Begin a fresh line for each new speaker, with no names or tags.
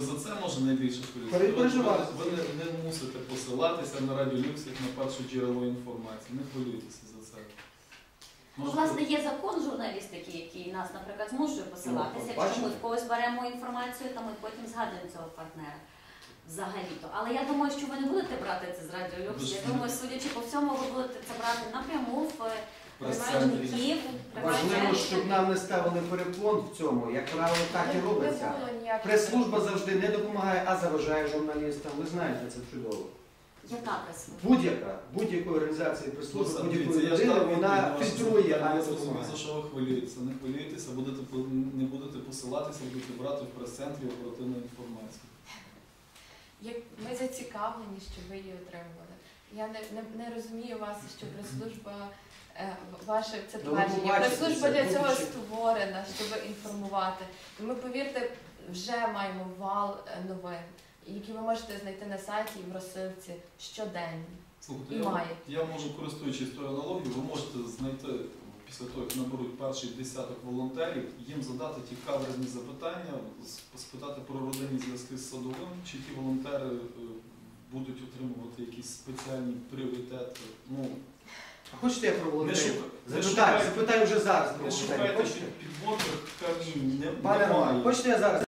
За це може найбільше хвилюватися. Ви не мусите посилатися на Радіо Люкс як на перше джерело інформації. Не хвилюйтеся за це.
Власне, є закон журналістики, який нас, наприклад, змушує посилатися. Якщо ми в когось беремо інформацію, то ми потім згадуємо цього партнера. Взагалі-то. Але я думаю, що ви не будете брати це з Радіо Люкс. Я думаю, судячи по всьому, ви будете це брати напряму в прес-центрі.
Важливо, щоб нам не ставили перепон в цьому. Як правило, так і робиться. Прес-служба завжди не допомагає, а заважає журналістам. Ви знаєте це чудово.
Яка прес-служба?
Будь-якої організації прес-служби, будь-якої людини, вона фільтрує, а не допомагає.
За що ви хвилюєтеся? Не хвилюйтеся, не будете посилатися, будете брати в прес-центрі оперативну інформацію.
Ми зацікавлені, щоб ви її отримували. Я не розумію вас, що прес-служба, ваше це твердження. Прес-служба для цього створена, щоб інформувати. Ми, повірте, вже маємо вал новин, які ви можете знайти на сайті і в розсилці щоденно.
Слухайте, я можу, користуючись тою аналогією, ви можете знайти, після того, як наберуть перший десяток волонтерів, їм задати ті каверзні запитання, спитати про родинні зв'язки з Садовим, чи ті волонтери будуть отримувати якісь спеціальні пріоритети.
Хочете я про волонтерів? Запитаю вже зараз про волонтерів.
Не шукайте підводних камінь,
Пане Романе, хочете я зараз?